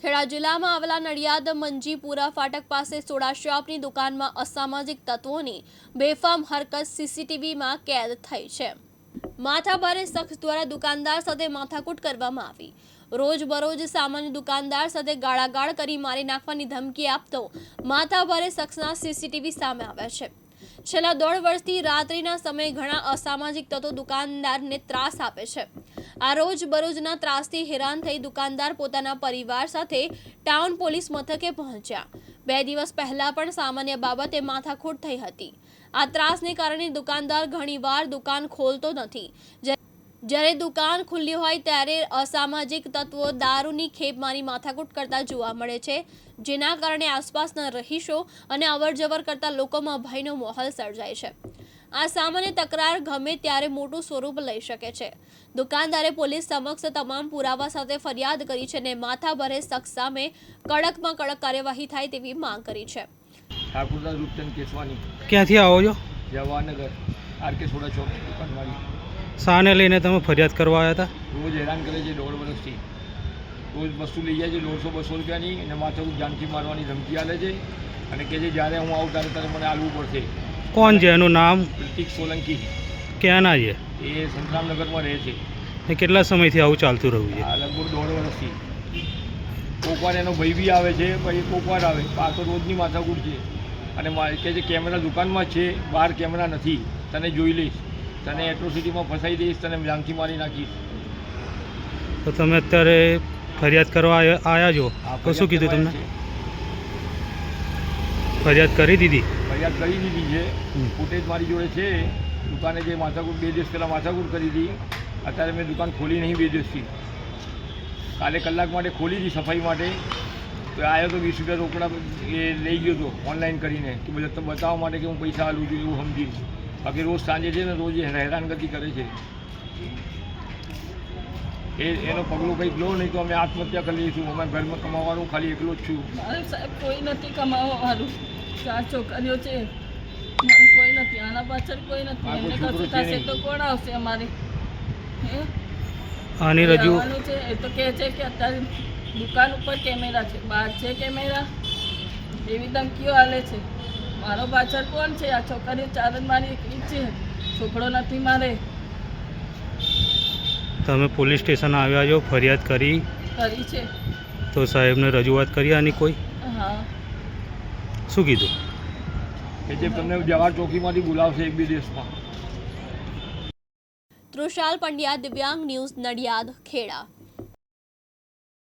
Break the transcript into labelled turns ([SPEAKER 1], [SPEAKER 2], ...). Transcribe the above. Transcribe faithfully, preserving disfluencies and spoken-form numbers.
[SPEAKER 1] ખેડા જિલ્લામાં આવેલા નડિયાદ મંજીપુરા ફાટક પાસે સોડા શોપની દુકાનમાં અસામાજિક તત્વોની બેફામ હરકત સીસીટીવીમાં કેદ થઈ છે। માથાભારે શખ્સ દ્વારા દુકાનદાર સાથે માથાકૂટ કરવામાં આવી। રોજબરોજ સામાન્ય દુકાનદાર સાથે ગાળાગાળ કરી મારી નાખવાની ધમકી આપતો માથાભારે શખ્સના સીસીટીવી સામે આવ્યા છે। છેલ્લા દોઢ વર્ષથી રાત્રિના સમયે ઘણા અસામાજિક તત્વો દુકાનદારને ત્રાસ આપે છે। આ રોજ બરોજના ત્રાસથી હેરાન થઈ દુકાનદાર પોતાના પરિવાર સાથે ટાઉન પોલીસ મથકે પહોંચ્યા। બે દિવસ પહેલા પણ સામાન્ય બાબતે માથાકૂટ થઈ હતી। આ ત્રાસને કારણે દુકાનદાર ઘણીવાર દુકાન ખોલતો નથી। જ્યારે દુકાન ખુલ્લી હોય ત્યારે અસામાજિક તત્વો દારૂની ખેપ મારી માથાકૂટ કરતા જોવા મળે છે, જેના કારણે આસપાસના રહીશો અને અવરજવર કરતા લોકોમાં ભયનો માહોલ સર્જાય છે। આ સામાન્ય તકરાર ગમે ત્યારે મોટું સ્વરૂપ લઈ શકે છે। દુકાનદારે પોલીસ સમક્ષ તમામ પુરાવા સાથે ફરિયાદ કરી છે અને માથાભારે શખ્સ સામે કડકમાં કડક કાર્યવાહી થાય તેવી માંગ કરી છે।
[SPEAKER 2] ઠાકુરદાસ રૂપચંદ કેસવાની
[SPEAKER 3] ક્યાંથી આવો છો?
[SPEAKER 2] જવાહરનગર આરકે સોડા ચોક દુકાનવાળી।
[SPEAKER 3] શાને લઈને તમે ફરિયાદ કરવા આવ્યા હતા?
[SPEAKER 2] રોજ હેરાન કરે છે, દોઢ વર્ષથી રોજ વસ્તુ લઈ જાય છે દોઢસો બસો રૂપિયાની અને માથાકૂટ જાનથી મારવાની ધમકી આલે છે અને કહે છે જ્યારે હું આવું ત્યારે ત્યારે મને આલવું પડશે।
[SPEAKER 3] કોણ છે એનું નામ?
[SPEAKER 2] પ્રતિક સોલંકી।
[SPEAKER 3] ક્યાંના છે
[SPEAKER 2] એ સંતરામનગરમાં રહે છે।
[SPEAKER 3] ને કેટલા સમયથી આવું ચાલતું રહ્યું છે?
[SPEAKER 2] આ લગભગ દોઢ વર્ષથી। કોકવાર એનો ભાઈ બી આવે છે, પછી કોકવાર આવે, આ તો રોજની માથાકૂટ છે અને કહે છે કેમેરા દુકાનમાં છે, બહાર કેમેરા નથી, તને જોઈ લઈશ, તને એટ્રોસિટીમાં ફસાઈ દઈશ, તને જાનથી મારી નાખીશ।
[SPEAKER 3] તો તમે અત્યારે ફરિયાદ કરવા આવ્યા છો તો શું કીધું તમને? ફરિયાદ કરી દીધી?
[SPEAKER 2] ફરિયાદ કરી દીધી છે, ફૂટેજ મારી જોડે છે। દુકાને જે માથાકૂટ બે દિવસ પહેલાં માથાકૂટ કરી હતી, અત્યારે મેં દુકાન ખોલી નહીં બે દિવસથી। કાલે કલાક માટે ખોલી હતી સફાઈ માટે, તો આવ્યો તો વીસ રૂપિયા રોકડા એ લઈ ગયો હતો ઓનલાઈન કરીને કે બધા બતાવવા માટે કે હું પૈસા આલું છું એવું સમજીને। બાકી રોજ સાંજે છે ને રોજ હેરાનગતિ કરે છે। એ એનો પગલું કંઈક લો નહીં તો અમે આત્મહત્યા કરી લઈશું। અમે ઘરમાં કમાવાનું ખાલી એકલો જ છું।
[SPEAKER 4] મારે સાહેબ કોઈ નથી કમાવાવાળું, ચાર છોકરીઓ છે, મારે કોઈ નથી, આના પાછળ કોઈ નથી। એમને કશું થશે તો કોણ આવશે અમારે? હે
[SPEAKER 3] આની રજૂ
[SPEAKER 4] આવવાનું છે એ તો કહે છે કે અત્યારે દુકાન ઉપર કેમેરા છે, બહાર છે કેમેરા, એવી ધમકીઓ આલે છે। મારો પાછળ કોણ છે? આ છોકરીઓ ચાર જ મારી એકલી છે, છોકરો નથી મારે।
[SPEAKER 3] તમે પોલીસ સ્ટેશન આવ્યા છો, ફરિયાદ કરી
[SPEAKER 4] કરી છે
[SPEAKER 3] તો સાહેબને રજૂઆત કરી આની કોઈ?
[SPEAKER 4] હા।
[SPEAKER 3] શું કીધું?
[SPEAKER 2] કે જે તમને જવાહર ચોકીમાંથી બોલાવશે એક બે દિવસમાં।
[SPEAKER 1] તૃષાલ પંડ્યા, દિવ્યાંગ ન્યૂઝ, નડિયાદ, ખેડા।